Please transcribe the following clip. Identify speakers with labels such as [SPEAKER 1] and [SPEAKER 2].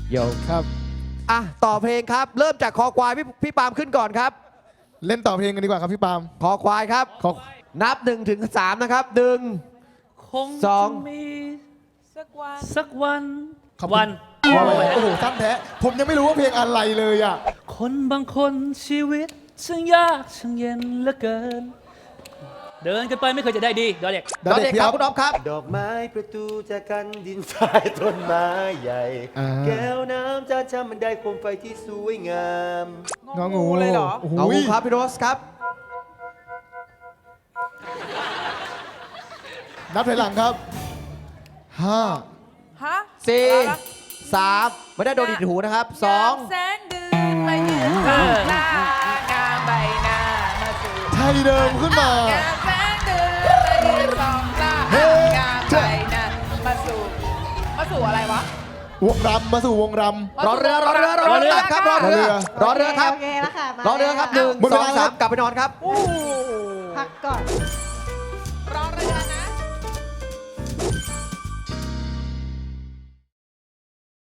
[SPEAKER 1] โย
[SPEAKER 2] ครับ
[SPEAKER 1] อ่ะต่อเพลงครับ เริ่มจากคอควายพี่ปาล์มขึ้นก่อนครับ
[SPEAKER 2] เล่นต่อเพลงกันดีกว่าครับพี่ปาล์ม
[SPEAKER 1] คอควายครับ
[SPEAKER 2] ขอ
[SPEAKER 1] นับ1 ถึง 3นะครับ
[SPEAKER 3] คง
[SPEAKER 1] สอ
[SPEAKER 3] จะ
[SPEAKER 1] ง
[SPEAKER 3] มี
[SPEAKER 4] สักวัน
[SPEAKER 3] สักวัน
[SPEAKER 2] ขอบคุณ
[SPEAKER 3] วัน
[SPEAKER 2] โอ้โหสั้นแท้ผมยังไม่รู้ว่าเพลงอะไรเลยอ่ะ
[SPEAKER 3] คนบางคนชีวิตช่างยากช่างเย็นเหลือเกิน เดินกันไปไม่เคยจะได้ดีดอเด็ก
[SPEAKER 1] ดอเด็กครับคุณอ๊อฟครับ
[SPEAKER 5] ดอกไม้ประตูจากกันดินทรายต้นไม้ใหญ่
[SPEAKER 2] อ่า
[SPEAKER 5] แก้วน้ำจานชามบันไดโคมไฟที่สวยงาม
[SPEAKER 2] งองู
[SPEAKER 4] เลยเหรอ
[SPEAKER 2] โอ้โห
[SPEAKER 1] เอาครับพี่โรสครับ
[SPEAKER 2] นับถอยหลังครับห้า
[SPEAKER 4] ฮะ
[SPEAKER 1] 4 3 ไม่ได้โดนดิดหูนะครับ
[SPEAKER 4] แสงเดือนมายืนข้างหน้างามใบหน้ามาสู่
[SPEAKER 2] ไทยเดิมขึ้นมา
[SPEAKER 4] งามแสงเดือนมายืนสองตา
[SPEAKER 2] เฮ้
[SPEAKER 4] งามใบหน้ามาสู่อะไรวะ
[SPEAKER 2] วงรำมาสู่วงร
[SPEAKER 1] รอเรือตัดครับรอเรือรอเรือครับ
[SPEAKER 6] โอเคแล้วค่ะ
[SPEAKER 1] รอเรือครับ1
[SPEAKER 2] หมดเวลา
[SPEAKER 1] 2
[SPEAKER 2] ครับ
[SPEAKER 1] 3 กลับไปนอนครับ
[SPEAKER 4] โอ้โห
[SPEAKER 6] พักก่อน